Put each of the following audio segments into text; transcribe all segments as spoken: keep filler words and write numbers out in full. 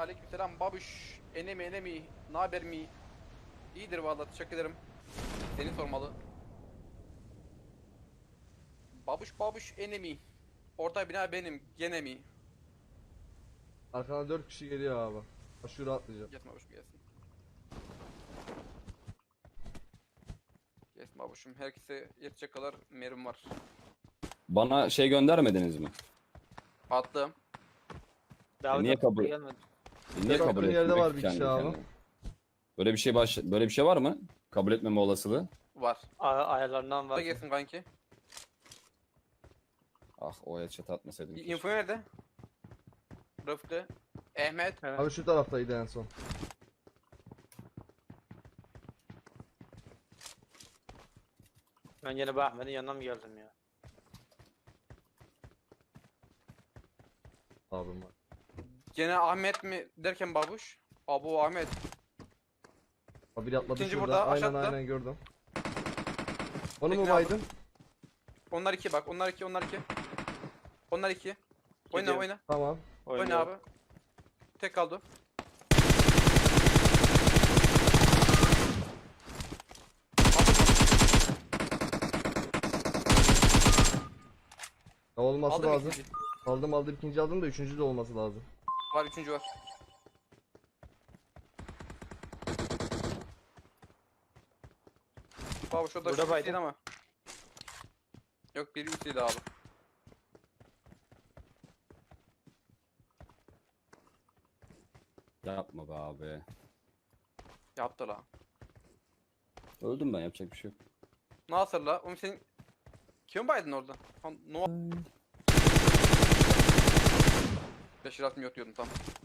Aleykümselam babuş. Enemi enemi. Naber mi? İyidir vallahi, teşekkür ederim. Seni sormalı. Babuş babuş enemi. Orta bina benim gene mi? Arkadan dört kişi geliyor abi. Aşırı atlayacağım. Gelsin babuşum gelsin. Gelsin babuşum. Herkese yetecek kadar merim var. Bana şey göndermediniz mi? Attım. Daha niye da kabul- gelmedi. Niye Bakın kabul yerde etmiyor var ki bir kendi kişi abi. kendine? Böyle bir şey baş böyle bir şey var mı? Kabul etmeme olasılığı. Var. A- ayarlarından Da var. gelsin kanki. Ah, o headshot atmasaydım. keşke. Info nerede? Rıfkı. Ahmet. Evet. Abi şu taraftaydı en son. Ben yine bu Ahmet'in yanına mı geldim ya? Abim var. Gene Ahmet mi derken babuş? Abu Ahmet. Abi biri atladı İkinci şurada. burada, Aynen aşağıda. aynen gördüm. Onu mu Tekne baydın? Onlar iki bak. Onlar iki. Onlar iki. Onlar iki. Oyna Gidiyorum. oyna. Tamam. Oyna Oynuyorum. abi. Tek kaldı. Ya olması Aldım lazım. ikinci. Aldım aldım ikinci aldım da üçüncü de olması lazım. Var, üçüncü var. Babuş o da Burada şu baydım. değil ama. Yok, biri üstüydü abi. Yapma be abi. Yaptı la. Öldüm ben, yapacak bir şey yok. Nasıl la? Oğlum senin... Kim baydın orada? Ha, no... Beşir atım yok diyordum tam.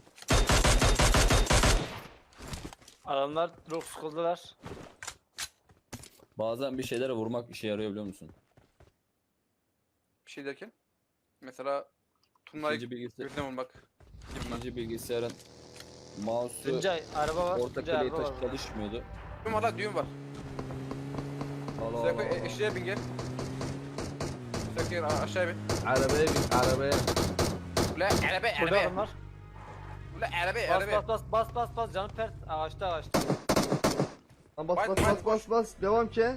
Adamlar çok sıkıldılar. Bazen bir şeylere vurmak işe yarıyor, biliyor musun? Bir şey derken. Mesela... Tuna'yı İkinci bilgisayar, gözüne vurmak. Gibi ben. ikinci bilgisayarın mouse'u Tuncay araba var. orta Tuncay kliği araba taş var. burada. çalışmıyordu. Düğün var la, düğün var. Allah Seko Allah. e, eşeğe bin gel. Seko gel, a- aşağıya bin. Arabaya bin arabaya. Ula araba Burada araba. adamlar. Ula araba Bas araba. bas bas bas bas bas canım pert. Ağaçta ağaçta. Lan bas Baydın, bas baydın, bas bas bas. Devam ki.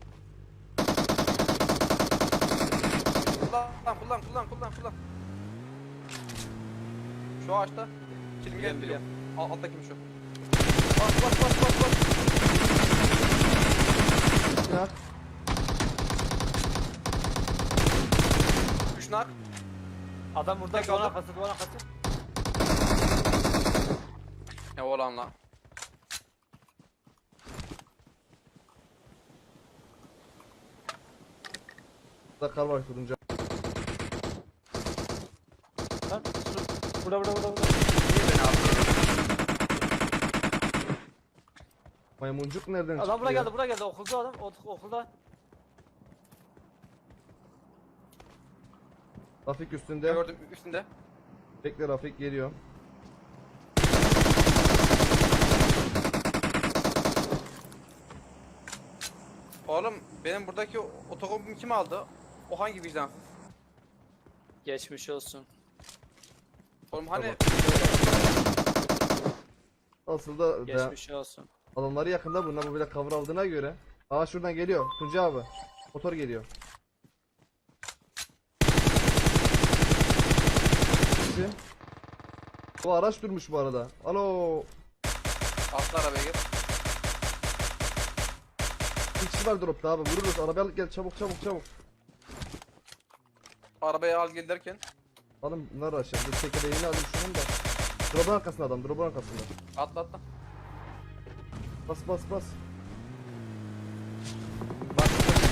Kullan kullan kullan kullan kullan. Şu ağaçta. Kilim Biliyorum, gel biliyorum. biliyorum. Al, alttakim şu. Bas bas bas bas bas. Ya. Üç nak. Adam burada Tek duvar aldım. arkası duvar arkası. Ne olan lan? Burada kar var kurunca. Lan şu- burada burada burada burada. Niye beni abi? Maymuncuk nereden çıktı Adam buraya ya? geldi buraya geldi okulda adam ok- okulda. Rafik üstünde. Gördüm üstünde. Bekle Rafik geliyor. Oğlum benim buradaki otokombimi kim aldı? O hangi vicdansız? Geçmiş olsun. Oğlum hani Asıl da ben- Geçmiş olsun. adamları yakında bunlar bu bile cover aldığına göre. Aa şuradan geliyor. Tuncay abi. Motor geliyor. Kim? Bu araç durmuş bu arada. Alo. atla arabaya gel. Bir kişi var dropta abi. Vururuz. Arabaya al gel çabuk çabuk çabuk. Arabaya al gel derken Alın bunları aşağı. Dur tekerleğini alayım şunun da. Drop'un arkasında adam. Drop'un arkasında. atla atla. Bas bas bas. Bak.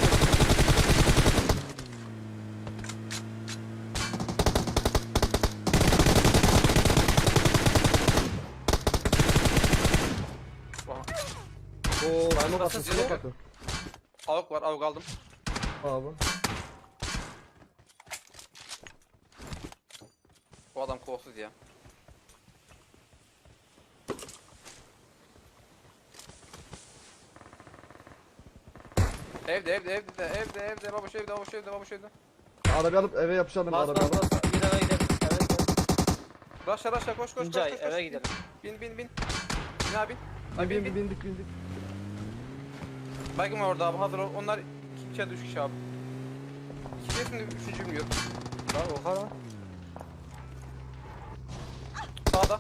Vah. Oo, smoke atın, basın, smoke smoke. atın. Avuk var, avuk aldım. Abi. Bu adam kolsuz ya. Evde evde evde evde evde babuş evde babuş evde babuş evde. Arabayı alıp eve yapışalım. Bas Arabayı bas alıp. bas. Bir eve gidelim. Evet evet. Raşla raşla koş koş koş Tuncay koş. koş. eve gidelim. Bin bin bin. Bin abi. Bin, Abi bin bin, bin. bindik bindik. Baygın var orada abi hazır ol. Onlar iki kişi üç kişi abi. İki kişi üçüncü bilmiyorum. Lan oha lan. Sağda.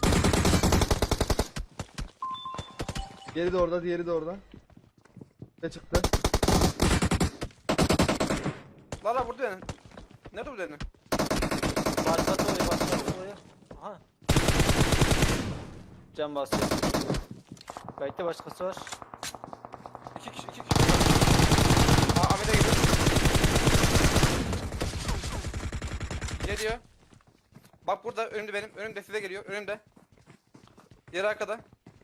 Diğeri de orada, diğeri de orada. Ne çıktı? La la burada yani. Nerede bu senin? Başlatı oraya başlatı oraya. Aha. Can basıyor. Belki başkası var. İki kişi iki kişi. Aa Ahmet'e gidiyor. Geliyor. Bak burada önümde benim. Önümde size geliyor. Önümde. Diğeri arkada.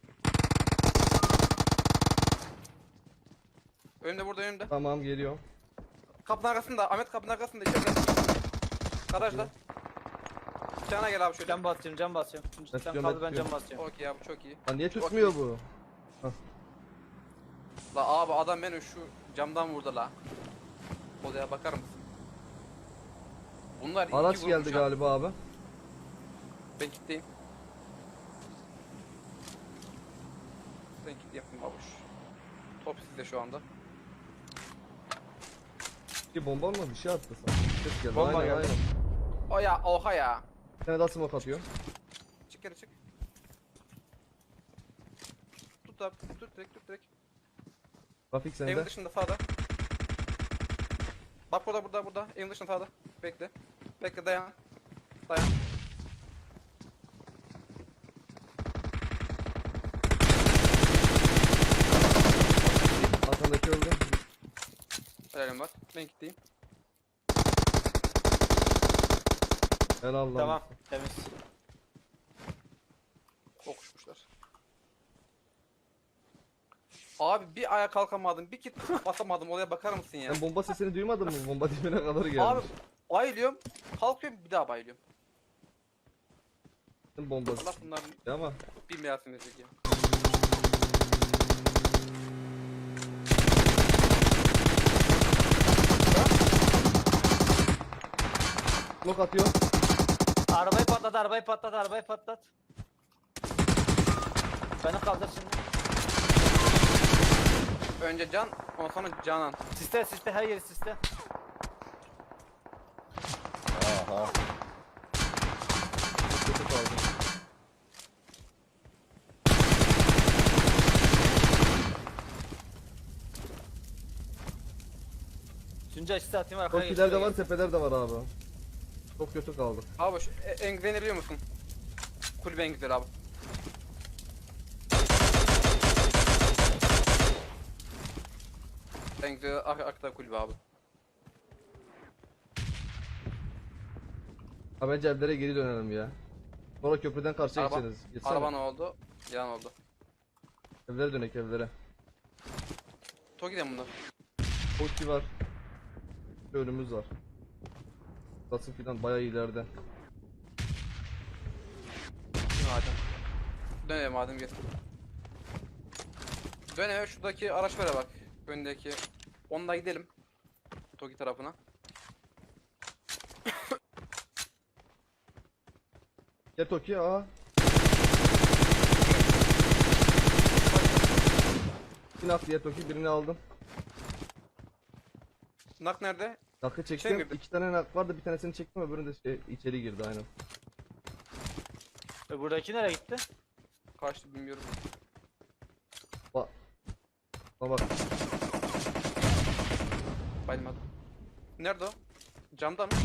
Önümde burada önümde. Tamam geliyor. Kapının arkasında. Ahmet kapının arkasında. İçeride. Garajda. Cana gel abi şöyle. Can basıyorum can basıyorum. Sen Basıyorum, kaldı ben basıyorum. can basıyorum. Okey abi çok iyi. Lan niye tutmuyor bu? La abi adam beni şu camdan vurdu la. Odaya bakar mısın? Bunlar Araç iki geldi vurmuş ha. galiba abi. Ben kilitleyeyim. Ben kilitleyeyim babuş. Top sizde şu anda. Bir bomba mı bir şey attı sana. Ses geldi. Bomba aynen, geldi. aynen. O ya oha ya. Bir tane daha smoke atıyor. Çık geri çık. Tut abi tut direkt tut direkt. Trafik sende. Evin dışında sağda. Bak burada burada burada. Evin dışında sağda. Bekle. Bekle dayan. Dayan. Arkandaki öldü. Helalim var. Ben kilitleyeyim. Helal lan. Tamam temiz. Kokuşmuşlar. Abi bir ayağa kalkamadım. Bir kit basamadım. Oraya bakar mısın ya? Sen bomba sesini duymadın mı? Bomba dibine kadar gelmiş. Abi bayılıyorum. Kalkıyorum bir daha bayılıyorum. Sen bombası. Allah bunların Ama bir meyasını verecek ya. smoke atıyor. Arabayı patlat arabayı patlat arabayı patlat. Beni kaldır şimdi. Önce can, ondan sonra canan. Siste siste her yeri siste. Aha. Kötü kaldı. Tuncay siste atayım arkaya Çok geç, ileride şuraya var, tepeler de var abi. Çok kötü kaldı. Abi şu e- en güzelini biliyor musun? Kulübe en güzel abi. En güzel ar arkada kulübe abi. Ha bence evlere geri dönelim ya. Sonra köprüden karşıya Araba- geçeriz. Geçsene. Araba ne oldu? Yan oldu. Evlere dönek evlere. Toki'den bunlar. Koki var. Bir önümüz var. Basın filan bayağı ileride. Madem. Dönelim madem gel. Dönelim şuradaki araçlara bak. Öndeki. Onunla gidelim. Toki tarafına. Gel Toki aa. Bir nak diye Toki birini aldım. Nak nerede? Nakı Şey çektim. mi? İki tane nak vardı, bir tanesini çektim, öbürünü de şey, içeri girdi aynen. E buradaki nereye gitti? Kaçtı bilmiyorum. Bak. Bak bak. Bayılmadım. Nerede o? Camda mı?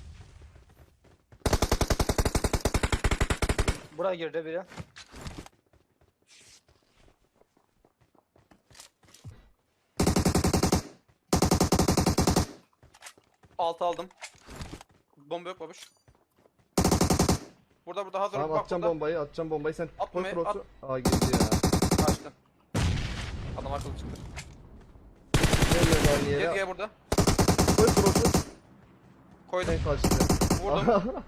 Buraya girdi biri. Altı aldım. Bomba yok babuş. Burada burada hazır ol. Tamam Bak atacağım burada. bombayı, atacağım bombayı, sen Atma koy be, cross'u. Aa girdi ya. Kaçtı. Adam akıllı çıktı. Gel gel aynı Gel yere. gel burada. Koy cross'u. Koydum. Sen kaçtı. Vurdum.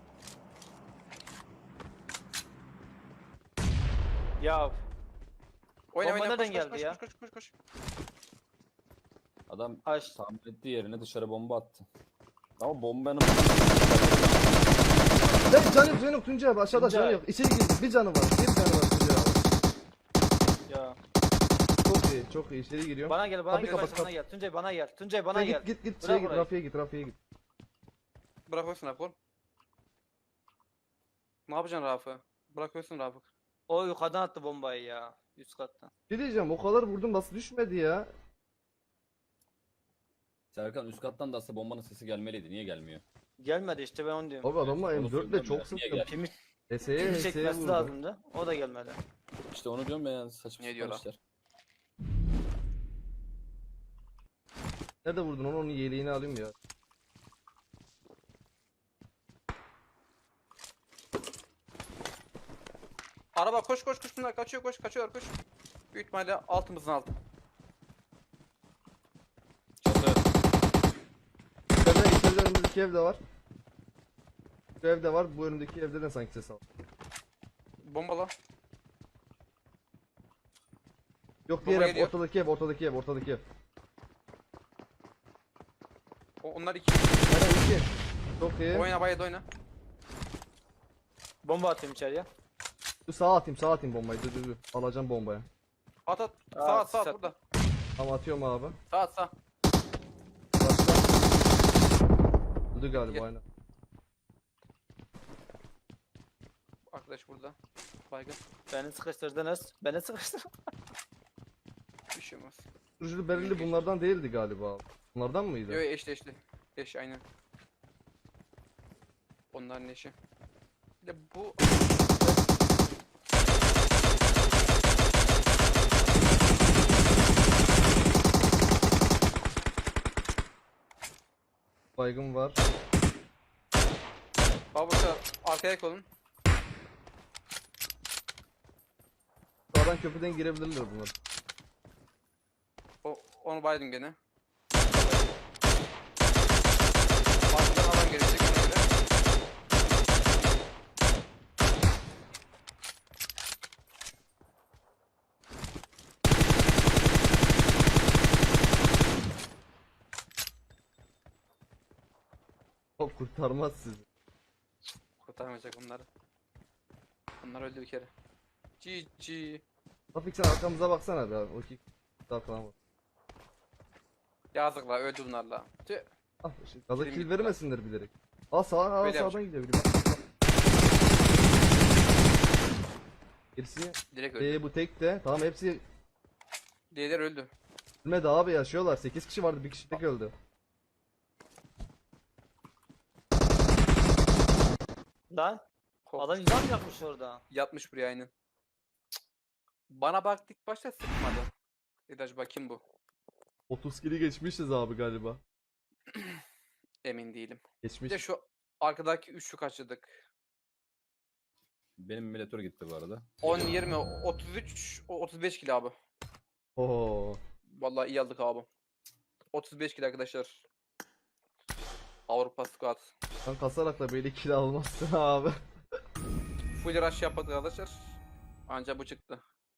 Ya Oyna Bomba oyna. nereden Koş, geldi koş, ya? Koş koş koş koş. Adam aç. tahmin ettiği yerine dışarı bomba attı. Ama bombanın Lan canı yok, canı yok Tuncay abi aşağıda Tuncay. canı yok. İçeri girdi. Bir canı var. Bir canı var Tuncay abi. Ya. Çok iyi, çok iyi. İçeri giriyorum. Bana gel, bana Kapıyı gel, kapat, bana kapat. gel. Tuncay bana gel. Tuncay bana Sen gel. git git git Bırak şeye git. orayı. Rafia'ya git, Rafia'ya git. Bırak olsun Rafı. Ne yapacaksın Rafı? Bırak olsun Rafı. O yukarıdan attı bombayı ya. Üst kattan. Ne diyeceğim o kadar vurdum nasıl düşmedi ya? Serkan üst kattan da aslında bombanın sesi gelmeliydi. Niye gelmiyor? Gelmedi işte, ben onu diyorum. Abi adamla Onu M dört ile söylüyorum çok ya, niye sıktım. geldi? Kimi, H S'ye kimi H S'ye çekmesi vurdu. lazımdı. O da gelmedi. İşte onu diyorum ben yani saçma Ne sapan diyorlar? işler. Nerede vurdun onu onun yeleğini alayım ya. Araba koş koş koş bunlar kaçıyor koş kaçıyor koş. Büyük ihtimalle altımızın altı. Çatı. İçeride, içeride önümüzdeki evde var. Şu evde var. Bu önümdeki evde de sanki ses al. Bombala. Yok diğer Baba ev, geliyor. ortadaki ev, ortadaki ev, ortadaki ev. O, onlar iki. Aynen iki. Çok iyi. Oyna bayat oyna. Bomba atıyorum içeriye. Dur sağa atayım, sağa atayım bombayı. Dur dur dur. Alacağım bombayı. At at. Aa, Sağ at sağ sat. at burada. Tamam atıyorum abi. Sağ at sağ. Başla. Öldü galiba Gel. aynen. Arkadaş burada. Baygın. Beni sıkıştırdınız. Beni sıkıştırdınız. Bir şey olmaz. Sürücülü belirli bunlardan değildi galiba abi. Bunlardan mıydı? Yo yo, eşli eşli. Eş aynen. Onların eşi. Bir de bu Baygın var. Babuşa arkaya kolun. Sağdan köprüden girebilirler bunlar. O, onu baydım gene. Arkadan alan gelecek ona göre. O kurtarmaz sizi. Kurtarmayacak onları. Onlar öldü bir kere. G G. Rafik sen arkamıza baksana be abi. O iki daha falan var. Yazıklar öldü bunlarla. Tüh. Ah, şey, gaza Kilim kill gitti vermesinler bilerek. Aa sağa, aa Böyle sağdan gidiyor biri. Bak, bak. Gerisi Direkt öldü. ee, bu tek de. Tamam hepsi Diğerleri öldü. ölmedi abi yaşıyorlar. sekiz kişi vardı bir kişi tek öldü. Lan Korkmuş. adam yüzden mi yapmış orada? Yatmış buraya aynen. Cık. Bana bak ilk başta sıkmadı. Dedi acaba kim bu? otuz kili geçmişiz abi galiba. Emin değilim. Bir Geçmiş. de şu arkadaki üçlü kaçırdık. Benim emülatör gitti bu arada. on, yirmi, otuz üç, o- otuz beş kilo abi. Oo. Vallahi iyi aldık abi. otuz beş kilo arkadaşlar. Avrupa Squad. Sen kasarak da böyle kill almazsın abi. Full rush yapmadık arkadaşlar. Ancak bu çıktı.